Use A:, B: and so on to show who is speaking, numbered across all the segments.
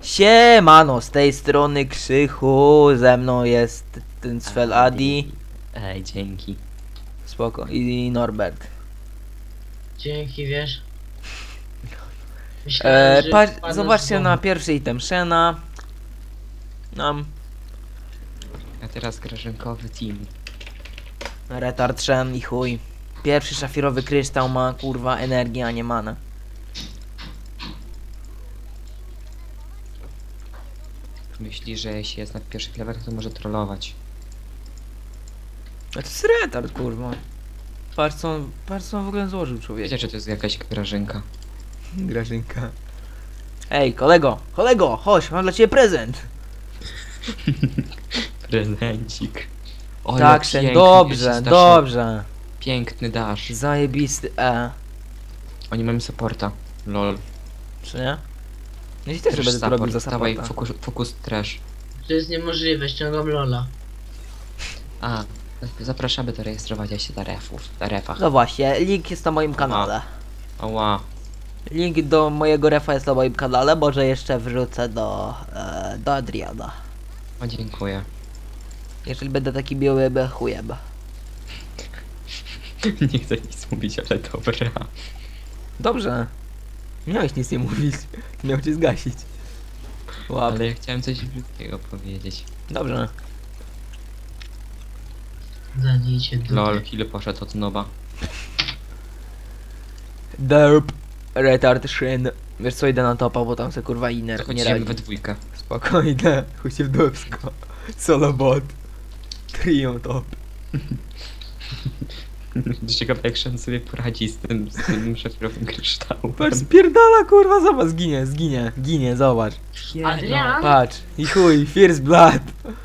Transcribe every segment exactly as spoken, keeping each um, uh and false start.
A: Siemano, z tej strony Krzychu, ze mną jest ten Svel Adi.
B: Ej, dzięki.
A: Spoko. I Norbert.
C: Dzięki, wiesz. Myślałem,
A: E,
C: że
A: patrz,
C: wpadnę z
A: zobaczcie
C: domu.
A: na pierwszy item Shena. Nam
B: A teraz grażynkowy team.
A: retard Shen i chuj. Pierwszy szafirowy kryształ ma kurwa energię, a nie mana.
B: Myśli, że jeśli jest na pierwszych levelach, to może trollować.
A: A to jest retard kurwa. Patrz co on, patrz co on w ogóle złożył człowiek.
B: Wiecie, że to jest jakaś grażynka.
A: Grażynka. Ej, kolego, kolego, chodź, mam dla ciebie prezent.
B: Prezencik. O,
A: Tak,
B: jak
A: Shen,
B: piękny,
A: dobrze,
B: jest
A: dobrze.
B: Piękny dash.
A: Zajebisty E.
B: Oni mają supporta. Lol.
A: Czy nie? No i też
B: Trash
A: będę to robił
B: support.
A: za
B: Dawaj,
A: supporta.
B: fokus, fokus trash.
C: To jest niemożliwe, ściągam Lola.
B: A, zapraszamy do rejestrowania się na refów. Na refach.
A: No właśnie, link jest na moim kanale.
B: Ała.
A: Link do mojego refa jest na moim kanale, może jeszcze wrzucę do, e, do Adriana.
B: O, dziękuję.
A: Jeżeli będę taki miły, be chujem.
B: Nie chcę nic mówić, ale dobra.
A: Dobrze. Miałeś nic nie mówić. Miał cię zgasić. Łap.
B: Ale ja chciałem coś brzydkiego powiedzieć.
A: Dobrze.
C: Zadijcie dupę.
B: Lol, ile poszedł od noba.
A: Derp. Retard Shin. Wiesz co, idę na topa, bo tam se kurwa inner nie
B: Zachodzimy
A: radzi.
B: we dwójkę.
A: Spokojnie, chuj się w dupsko. Solo bot. Trio top.
B: Ciekawe jak Shen sobie poradzi z tym, z tym szafirowym kryształem.
A: Patrz, spierdala kurwa, zobacz, zginie, zginie, ginie, zobacz.
C: Adrian?
A: Patrz, i chuj, first blood.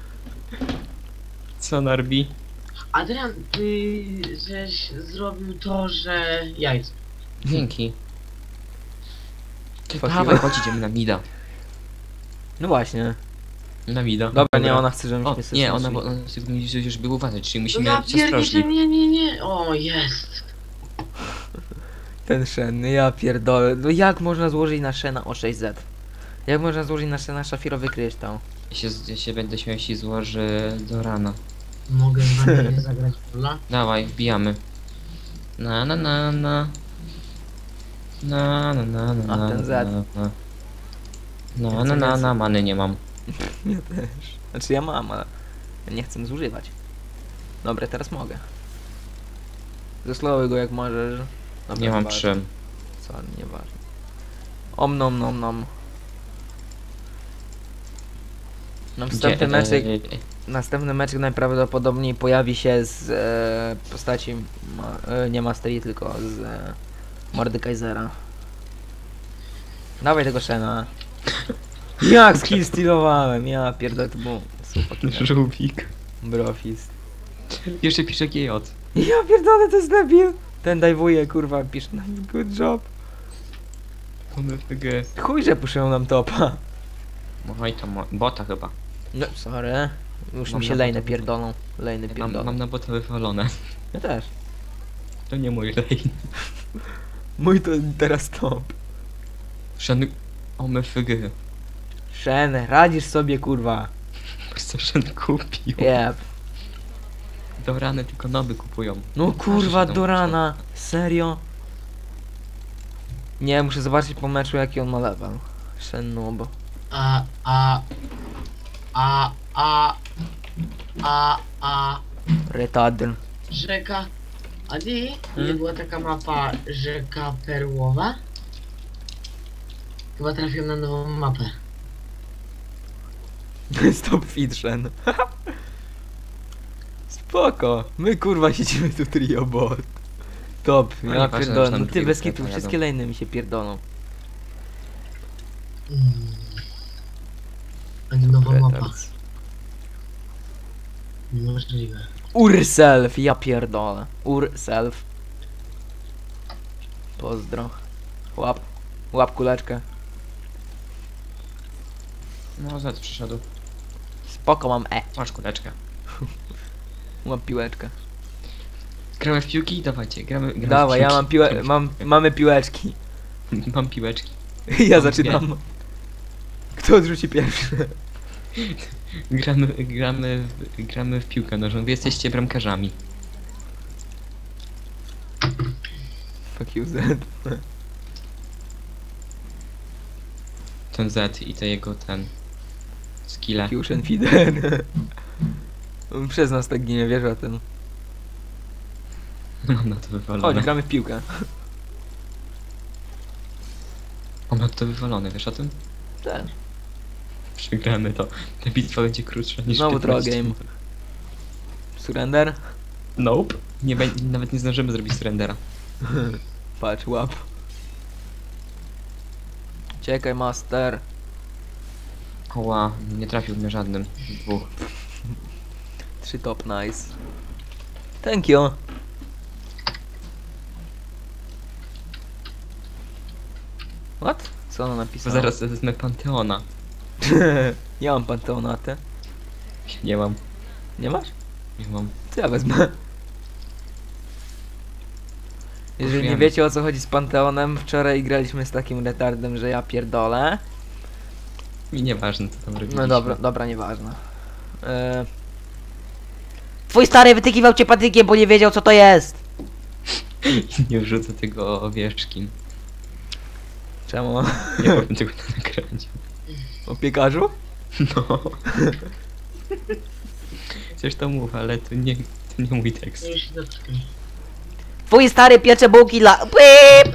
B: Co Narbi?
C: Adrian, ty żeś zrobił to, że jajco.
B: Dzięki. Ty,
A: Fuck
B: dawaj,
A: you.
B: chodź, idziemy na mida.
A: No właśnie.
B: Na mida.
A: Dobra, nie, ona chce, żebyśmy
B: O,
A: się
B: nie, ona,
A: słyszeli.
B: bo ona sobie musi już by uważać, czyli
C: No
B: musimy
C: ja
B: być
C: pierdzielę,
B: ostrożni.
C: nie, nie, nie. O, jest.
A: Ten Shen, ja pierdolę. No jak można złożyć na Shena o sześć zet? Jak można złożyć na Shena szafirowy kryształ?
B: Ja się, ja się będę śmiał, jeśli złoży do rana.
C: Mogę z wami nie zagrać w Lola?
B: Dawaj, wbijamy. Na na na na. Na na na na
A: A,
B: na
A: ten
B: na
A: Z.
B: na. Na na na na, many nie mam.
A: Ja też. Znaczy ja mam, ale ja nie chcę zużywać. Dobra, teraz mogę. Zeslowuj go jak możesz. Dobra,
B: Nie mam
A: zobacz.
B: trzy.
A: Co, nieważne. Om nom nom nom. Następny
B: Gdzie-
A: meczek,
B: e,
A: następny meczek najprawdopodobniej pojawi się z e, postaci, ma, e, nie Mastery, tylko z e, Mordekaisera. Dawaj tego Shena. Jak skill stealowałem, ja pierdolę, to był super.
B: Żółwik.
A: Brofist.
B: Jeszcze pisze G J.
A: Ja pierdolę, to jest debil. Ten dajwuje, kurwa, pisze na nim good job.
B: On F G.
A: Chuj, że puszują nam topa.
B: Oj, to mo- bota chyba.
A: No, sorry. Już
B: Mam
A: mi się
B: na
A: lejne
B: bota
A: pierdolą. Lejne
B: Mam,
A: pierdolą.
B: mam na bota wywalone.
A: Ja też.
B: To nie mój lane.
A: Mój to teraz top.
B: Shen... O F G.
A: Shen, radzisz sobie, kurwa.
B: Co Shen kupił?
A: Jeb.
B: Do rany tylko noby kupują.
A: No kurwa,
B: Zresztą
A: do rana. Serio? Nie, muszę zobaczyć po meczu, jaki on ma level. Shen noob.
C: A, a, a, a, a, a,
A: Retard.
C: rzeka. Adi, nie
A: Hmm?
C: była taka mapa rzeka Perłowa? Chyba trafiłem na nową mapę.
A: Stop fit, Shen. Spoko. My kurwa siedzimy tu trio bot. Top,
B: No
A: ja
B: nieważne, że
A: pierdolę.
B: nam
A: No ty
B: drugiego
A: bez
B: sklepu
A: kitu,
B: jadą.
A: wszystkie lejny mi się pierdolą.
C: Mm. A nie nowa mapa.
A: Retard.
C: Niemożliwe.
A: Urself, ja pierdolę. Urself. Pozdro. Łap. Łap kuleczkę.
B: No, Z przyszedł.
A: Spoko, mam E.
B: Masz kuleczkę.
A: Mam piłeczkę.
B: Gramy w piłki? Dawajcie, gramy, gramy
A: Dawaj,
B: w
A: ja
B: piłki.
A: mam piłę, mam, mamy piłeczki.
B: Mam piłeczki.
A: Ja
B: Mam
A: zaczynam. Kto Kto odrzuci pierwszy?
B: Gramy, gramy, w, gramy w piłkę nożną. Wy jesteście bramkarzami.
A: Fuck you, Z.
B: Ten Z i te jego ten... skille.
A: Fusion Feeder. On przez nas tak ginie, wiesz o tym.
B: Mam na to
A: Chodź,
B: wywalone.
A: gramy w piłkę.
B: Mam na to wywalone, wiesz o tym?
A: Tak.
B: Przegramy to. Ta bitwa będzie krótsza niż
A: Znowu troll
B: piętnaście
A: game.
B: minut.
A: Surrender?
B: Nope. Nie bę- nawet nie zdążymy zrobić surrendera.
A: Patrz, łap. Czekaj, master.
B: Oła, nie trafił mnie żadnym z dwóch.
A: Trzy top, nice. Thank you. What? Co ona
B: Bo
A: napisała?
B: zaraz wezmę Panteona.
A: Ja mam Panteonatę.
B: Nie mam,
A: Nie masz?
B: nie mam.
A: To ja wezmę. Jeżeli nie
B: Użyjemy.
A: wiecie o co chodzi z Panteonem, wczoraj graliśmy z takim retardem, że ja pierdolę.
B: Mi nieważne co tam robiliśmy.
A: No dobra, dobra, nieważne. E... Twój stary wytykiwał cię patykiem, bo nie wiedział co to jest.
B: Nie wrzucę tego owieczki.
A: Czemu?
B: Nie powiem tego na nagraniu.
A: O piekarzu?
B: No. Coś to mów, ale to nie, to nie mój tekst.
C: No już się dotknę.
A: Twój stary piecze bułki dla... Pip!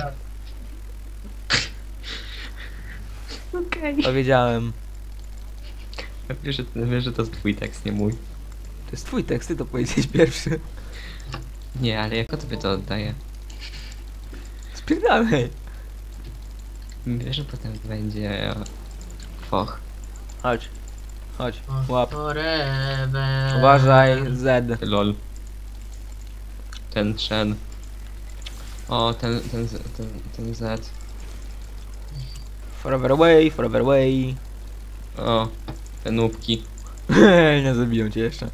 B: Okej.
A: Powiedziałem.
B: Wiesz, że, wiesz, że to jest twój tekst, nie mój.
A: To jest twój tekst, ty to powiedziałeś pierwszy.
B: Nie, ale jako tobie to oddaję.
A: Spierdalaj.
B: Wiesz, że potem będzie... Foch.
A: Chodź. Chodź.
C: O,
A: Łap.
C: Forever.
A: Uważaj, Z.
B: Lol. Ten Shen. O, ten, ten, Z- ten, ten Z.
A: Forever away, forever away.
B: O, te nubki.
A: Nie zabiją cię jeszcze.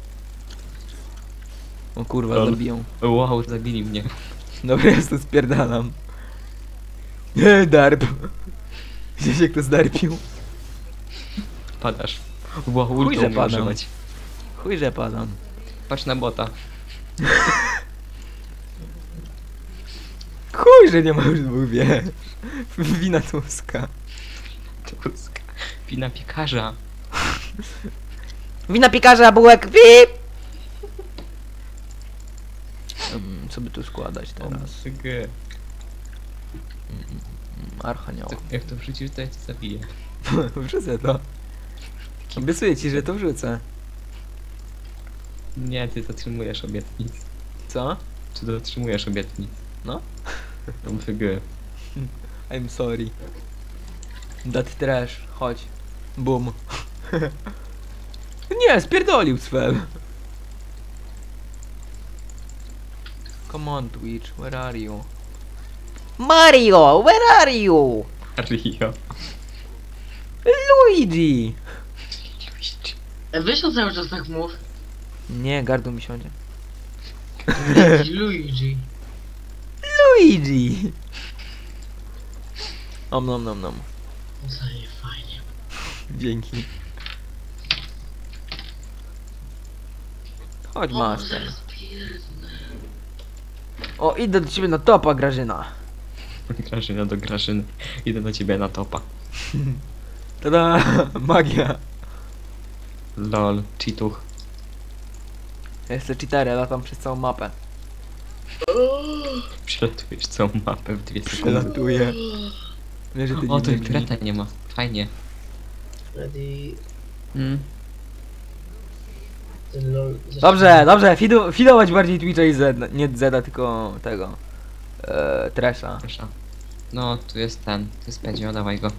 A: O kurwa,
B: Lol.
A: zabiją.
B: Wow, zabili mnie.
A: Dobra, ja to spierdalam. Nie, darp. Gdzieś jak to zdarpił.
B: Padasz. Wow,
A: Chuj,
B: ultą
A: że
B: umiem
A: padam.
B: używać.
A: Chuj, że padam.
B: Patrz na bota.
A: Chuj, że nie ma już dwóch wie. Wina Tuska.
B: Tusk. Wina piekarza.
A: Wina piekarza, bułek, pip! Um, co by tu składać teraz?
B: G.
A: Archanioł.
B: To, jak to wrzucisz, to ja cię zabiję.
A: Wrzucę to. Obiecuję ci, że to wrzucę.
B: Nie, ty dotrzymujesz obietnic.
A: Co?
B: Czy dotrzymujesz obietnic?
A: No.
B: No G.
A: I'm sorry. Dat trash, chodź. Boom. Nie, spierdolił Svel. Come on Twitch, where are you? Mario, where are you?
B: Rio.
A: Luigi!
C: E, Weź to cały czas tak mów.
A: Nie, gardło mi siądzie.
C: Luigi.
A: Luigi! Om nom nom nom.
C: Zaje fajnie.
A: Dzięki. Chodź
C: O,
A: master.
C: zaraz pierdnę.
A: O, idę do ciebie na topa, Grażyna.
B: Grażyna do Grażyny. Idę do ciebie na topa.
A: Tada! Magia.
B: Lol, cheatuch.
A: Ja jestem cheaterem, latam przez całą mapę.
B: Przelatujesz całą mapę w dwie sekundy.
A: Przelatuję. Wiesz, że ty
B: O,
A: nie
B: tu
A: biegnij.
B: tureta nie ma. Fajnie.
C: Ready.
B: Mm.
C: Ten lol.
A: Dobrze, dobrze, fidu, fidować bardziej Twitcha i Z, nie Zeda, tylko tego. E, Tresha.
B: Proszę. No, tu jest ten. Tu jest Pedzio, dawaj go.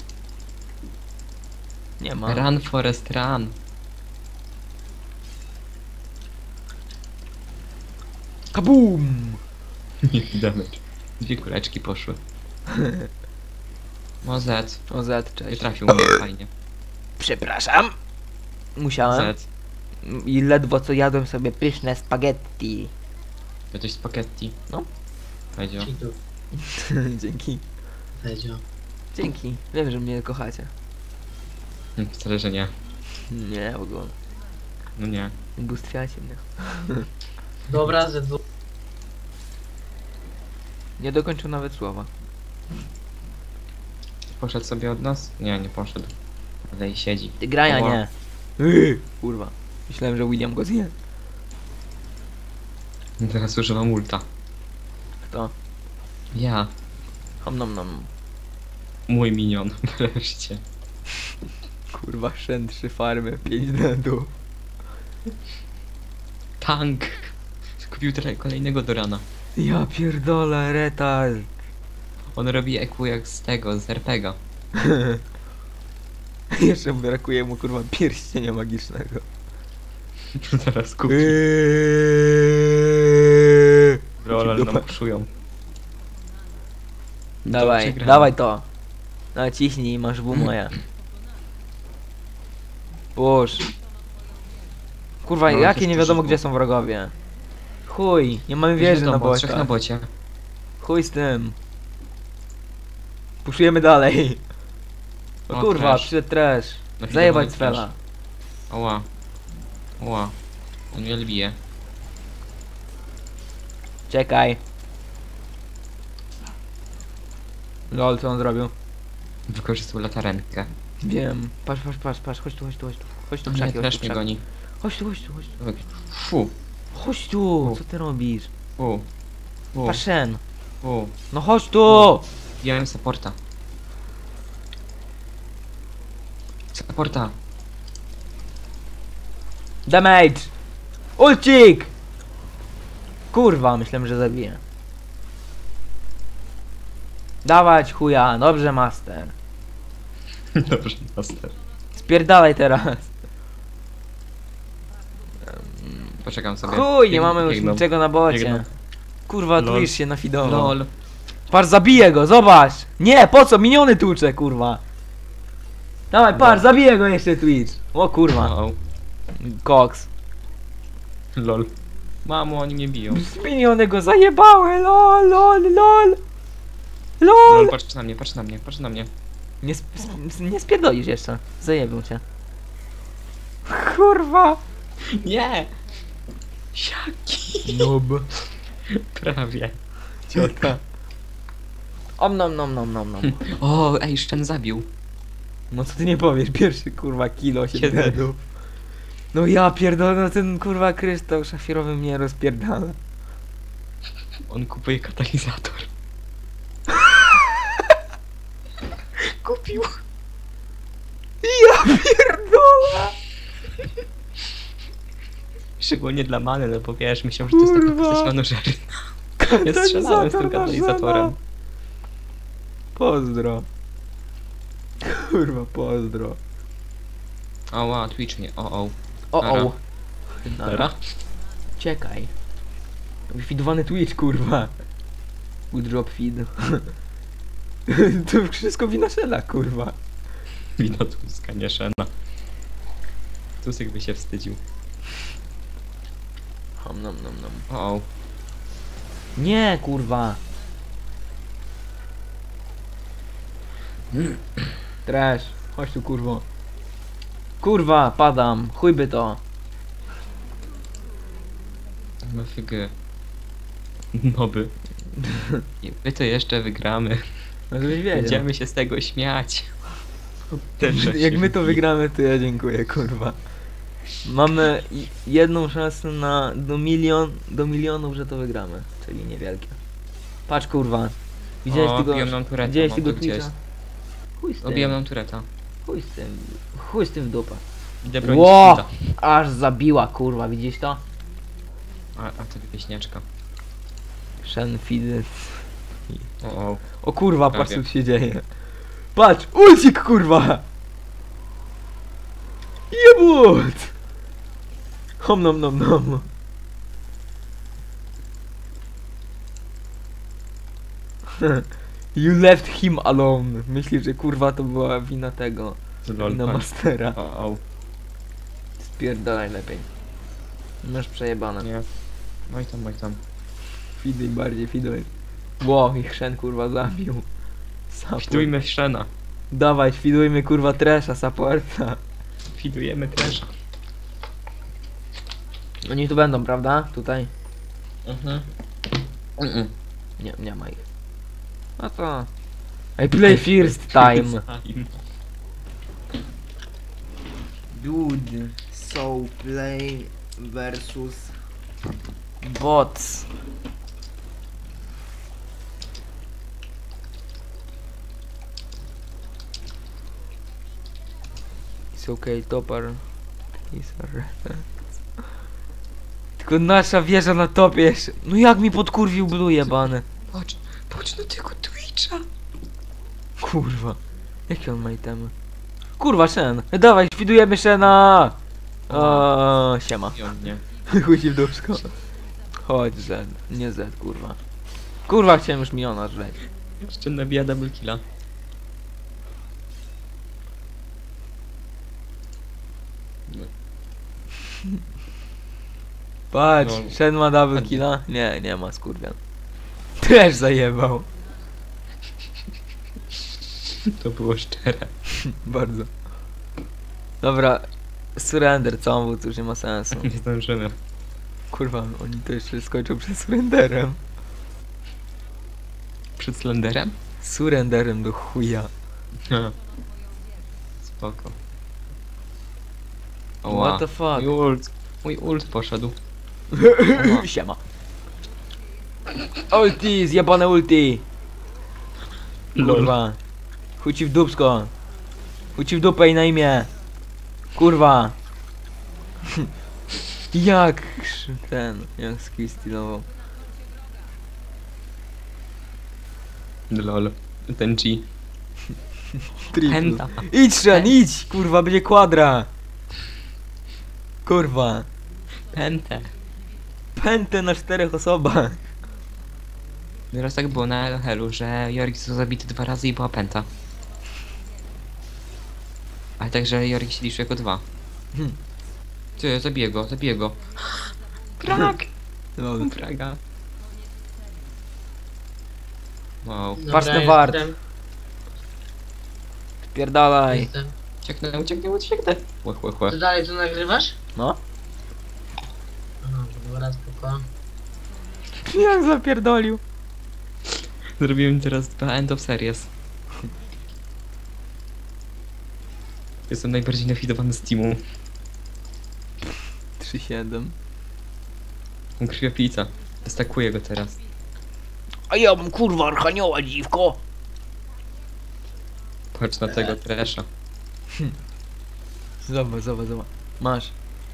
A: Nie ma.
B: Run, Forest, run.
A: Kabum!
B: Nie damage. Dwie kuleczki poszły. No Z.
A: O Z,
B: Nie
A: cześć.
B: trafił mnie, fajnie.
A: Przepraszam. Musiałem.
B: Z.
A: I ledwo co jadłem sobie pyszne spaghetti.
B: Jesteś spaghetti.
A: No.
B: Pedzio.
C: Cheatów.
A: Dzięki.
C: Wiedział.
A: Dzięki. Wiem, że mnie kochacie.
B: Wcale, że nie.
A: Nie, w ogóle.
B: No nie.
A: Ubóstwiacie mnie.
C: Dobra, ze dwóch.
A: Nie dokończył nawet słowa.
B: Poszedł sobie od nas? Nie, nie poszedł. Ale i siedzi.
A: Ty graja
B: Ła.
A: nie. Yy, kurwa. Myślałem, że William go zje.
B: Teraz używam ulta.
A: Kto?
B: Ja.
A: Om nom nom.
B: Mój minion. Wreszcie.
A: Kurwa, Shen trzy farmy, pięć deadów.
B: Tank! Kupił tyle kolejnego do rana.
A: Ja pierdolę, retard.
B: On robi E Q jak z tego, z R P G a.
A: Jeszcze brakuje mu kurwa pierścienia magicznego.
B: Zaraz kupi.
A: Eee.
B: Lol, ale
A: Dupa.
B: nam puszują.
A: Dawaj,
B: Dobrze gramy.
A: dawaj to. Naciśnij, masz w moja. Push. Kurwa,
B: No,
A: jakie
B: jest
A: nie wiadomo
B: dużo.
A: gdzie są wrogowie. Chuj, nie mamy wieży na
B: Wiadomo, trzech na
A: bocie.
B: bocie.
A: Chuj z tym. Puszujemy dalej. O
B: O,
A: kurwa,
B: trash.
A: przyszedł trash.
B: Nafidowany
A: Zajebać
B: trash.
A: Svela.
B: Oła. Oła. On mnie bije.
A: Czekaj. Lol, co on zrobił?
B: Wykorzystał latarenkę.
A: Wiem. Patrz, patrz, patrz, patrz, chodź tu, chodź tu, chodź tu. Chodź tu,
B: Nie,
A: krzaki, chodź
B: też
A: tu,
B: mnie
A: krzaki.
B: goni.
A: Chodź tu, chodź tu, chodź tu.
B: Fu.
A: Chodź tu, co ty robisz?
B: Fu. Fu.
A: Paszen.
B: Fu.
A: No chodź tu!
B: Wziąłem supporta. Supporta.
A: Damage! Ulcik! Kurwa, myślałem, że zabiję. Dawać chuja, dobrze master.
B: Dobrze, master.
A: Spierdalaj teraz.
B: Poczekam sobie.
A: Chuj, nie
B: Bieg-
A: mamy już
B: biegną.
A: niczego na bocie.
B: Biegną.
A: Kurwa,
B: Lol.
A: Twitch się nafidował.
B: Lol.
A: Par, zabiję go, zobacz! Nie, po co? Miniony tłucze, kurwa. Dawaj, par,
B: No.
A: zabiję go jeszcze Twitch. O kurwa.
B: O,
A: Cox.
B: lol. Mamo, oni mnie biją.
A: Miniony go zajebały, lol, lol, lol.
B: Lol,
A: LOL!
B: patrz na mnie, patrz na mnie, patrz na mnie.
A: Nie, sp sp nie spierdolisz jeszcze. Zajebią cię. Kurwa.
B: Nie! Siaki!
A: Noob.
B: Prawie.
A: Ciota. Om nom nom nom nom nom.
B: O, ej, Shen zabił.
A: No co ty nie powiesz, pierwszy kurwa kilo się
B: Kiedy?
A: deadów. No ja pierdolę, no ten kurwa kryształ szafirowy mnie rozpierdala.
B: On kupuje katalizator. Kupił.
A: Ja pierdolę.
B: Szczególnie dla many, no bo wiesz, myślał, że to jest taka
A: Kurwa.
B: postać manożerna. Ja strzelałem z tym katalizatorem.
A: Pozdro. Kurwa, pozdro.
B: Oła, Twitch mnie, o o.
A: O
B: Nara.
A: o.
B: Dobra?
A: Czekaj. Wifidowany Twitch, kurwa. Udrop feed. To wszystko wina Shella, kurwa.
B: Wino Tuska, nie Shena. Tusek by się wstydził.
A: Hom nom nom nom.
B: O o.
A: Nie, kurwa. Trash. Chodź tu, kurwo. Kurwa, padam. Chuj by to.
B: M F G. Noby. I my to jeszcze wygramy.
A: No żebyś wiedział.
B: Będziemy się z tego śmiać. Też
A: Jak my to wygramy, to ja dziękuję, kurwa. Mamy i- jedną szansę na do milion, do milionów, że to wygramy. Czyli niewielkie. Patrz, kurwa. Widziałeś
B: O,
A: tego,
B: biją nam tureta,
A: widziałeś
B: mam
A: tego
B: to gdzieś.
A: Twitcha? Chuj z tym.
B: Obiłem nam tureta.
A: Chuj z tym. Chuj z tym w dupę.
B: Idę bronić
A: Ło!
B: Ło!
A: Aż zabiła, kurwa, widzisz to?
B: A, a to wieśniaczka.
A: Shen Fidy.
B: O o.
A: O kurwa, patrz
B: Prawie.
A: co tu się dzieje. Patrz, ulcik, kurwa! Jebut! Hom nom nom nom. You left him alone. Myślisz, że kurwa to była wina tego.
B: Lol,
A: Wina
B: patrz.
A: Mastera.
B: O o.
A: Spierdalaj lepiej. Masz przejebane.
B: Nie. Oj tam, oj tam.
A: Fiduj bardziej, fiduj. Ło, ich Shen kurwa zabił. Sapur.
B: Witujmy w Shena.
A: Dawaj, świdujmy kurwa Tresha, supporta.
B: Widujemy też.
A: Oni tu będą, prawda? Tutaj?
B: Mhm. Mm-mm.
A: Nie, nie ma ich. No to... I play first time.
B: Time.
A: Dude, so play versus bots. It's okay, topper. Is a Tylko nasza wieża na topie jeszcze. No jak mi podkurwił blue jebany.
B: Patrz, patrz na tego Twitcha.
A: Kurwa. Jakie on ma itemy? Kurwa, Shen. Dawaj, świdujemy Shena. O, siema.
B: I on nie.
A: Chuj ci w dupsko. Chodź Z, nie Z, kurwa. Kurwa, chciałem już miliona żreć.
B: Jeszcze nabija double killa.
A: Patrz,
B: No.
A: Shen ma double killa? Nie, nie ma, skurwian. Też zajebał.
B: To było szczere.
A: Bardzo. Dobra, surrender, co on był, to już nie ma sensu.
B: Nie zdążymy.
A: Kurwa, oni to jeszcze skończą przed surrenderem.
B: Przed Slenderem?
A: Surrenderem do chuja.
B: Spoko.
A: What the fuck?
B: Mój ult. Mój ult poszedł.
A: Siema. Ulti, zjebane ulti. Kurwa. Chuj ci w dupsko. Chuj ci w dupę i na imię. Kurwa. Jak ten, jak skill stylował.
B: Lol. Ten G.
A: Triple.
B: Penta.
A: Idź Shen, idź! Kurwa, będzie kwadra. Kurwa.
B: Pente.
A: Pętę na czterech osobach.
B: Teraz tak było na Helu, że Jorik został zabity dwa razy i była penta. Ale także Jorik się liczy jako dwa.
A: Hmm.
B: Ty, zabiję go, zabiję go. Prak!
A: Lol.
B: Praga. Wow.
C: Dobra,
A: Patrz na wart.
C: jestem,
A: Pierdalaj.
C: jestem.
B: Ucieknę, ucieknę, ucieknę. Łe, łe, łe.
C: Ty dalej to nagrywasz?
A: No.
C: Aha, dobra, spoko.
A: Jak zapierdolił.
B: Zrobiłem teraz dwa end of series. Jestem najbardziej nafidowany z teamu.
A: trzy siedem.
B: Mam krwiopijca. Destakuję go teraz.
A: A ja mam kurwa archanioła, dziwko.
B: Patrz na tego Tresha.
A: Zobacz, zobacz, zobacz. Masz.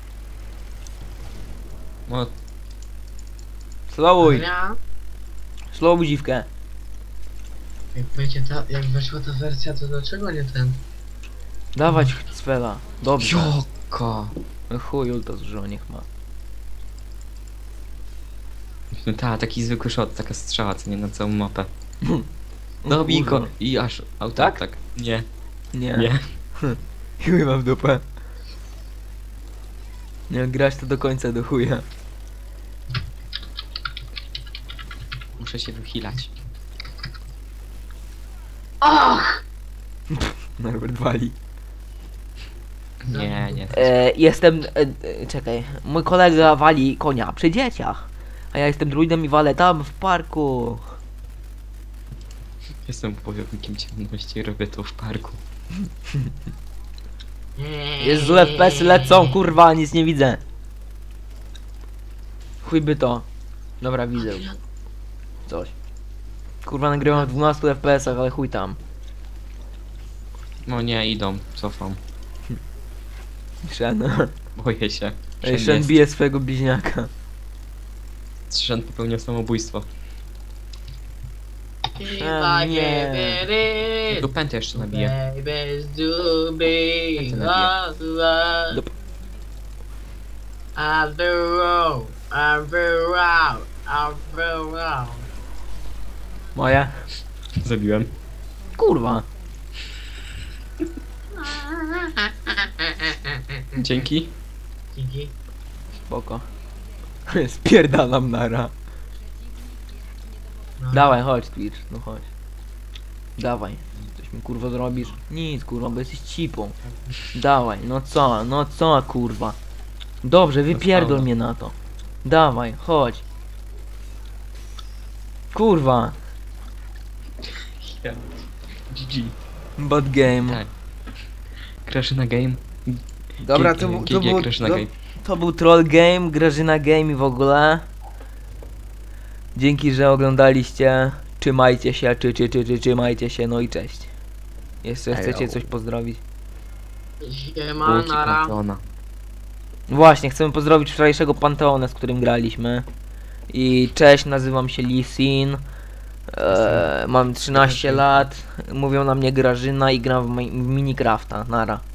B: O,
A: Slowuj.
C: Ja,
A: Slowuj dziwkę.
C: jak będzie ta, jak weszła ta wersja, to dlaczego nie ten?
A: Dawać Cfela. Dobrze.
B: joko!
A: No chuj, ulta zużyło, niech ma.
B: No ta, taki zwykły shot, taka strzała, co nie na całą mapę.
A: O
B: Dobij
A: kurwa.
B: go i aż auto,
A: Tak?
B: tak. Nie,
A: Nie.
B: nie.
A: Chuj mam w dupę. Nie, grać to do końca do chuja.
B: Muszę się wychilać.
C: Och!
A: Norbert wali.
B: Nie, nie.
A: E, jestem... E, e, czekaj. Mój kolega wali konia przy dzieciach. A ja jestem druidem i walę tam w parku.
B: Jestem wojownikiem ciemności i robię to w parku.
A: Jest złe F P S-y lecą, kurwa, nic nie widzę. Chuj by to. Dobra, widzę. Coś. Kurwa, nagrywam w dwunastu F P S-ach, ale chuj tam.
B: No nie, idą, cofam.
A: Shen.
B: Boję się.
A: Ej, Shen bije swojego bliźniaka.
B: Shen popełnił samobójstwo.
A: A, nie.
B: Tu pętę jeszcze nabiję.
C: Babies do be
B: Jak to
C: love, love.
A: Dup.
C: I've been wrong, I've been wrong, I've been wrong.
A: Moje?
B: Zabiłem.
A: Kurwa.
B: Dzięki.
C: Dzięki.
A: Spoko. Spierdalam nara.
C: No.
A: Dawaj, chodź Twitch, no chodź. Dawaj. Coś Coś mi kurwa zrobisz? Nic kurwa, bo jesteś cipą. Dawaj, no co, no co kurwa. Dobrze, wypierdol
B: sprawdzę.
A: mnie na to. Dawaj, chodź. Kurwa.
B: G G.
A: Bad game.
B: Tak. Crash na game.
A: Dobra,
B: G-
A: to, bu-
B: G-
A: to,
B: G-
A: był,
B: Crash na
A: to,
B: game.
A: to był troll game, Grażyna game i w ogóle. Dzięki, że oglądaliście. Trzymajcie się, czy, czy, czy, czy, trzymajcie się, no i cześć. Jeszcze
B: Ejo.
A: chcecie coś pozdrowić?
C: Siema,
B: Łuki
C: nara.
B: Panteona.
A: Właśnie, chcemy pozdrowić wczorajszego Panteona, z którym graliśmy. I cześć, nazywam się Lee Sin. Eee, mam trzynaście lat. Mówią na mnie Grażyna i gram w, mi- w Minecrafta. Nara.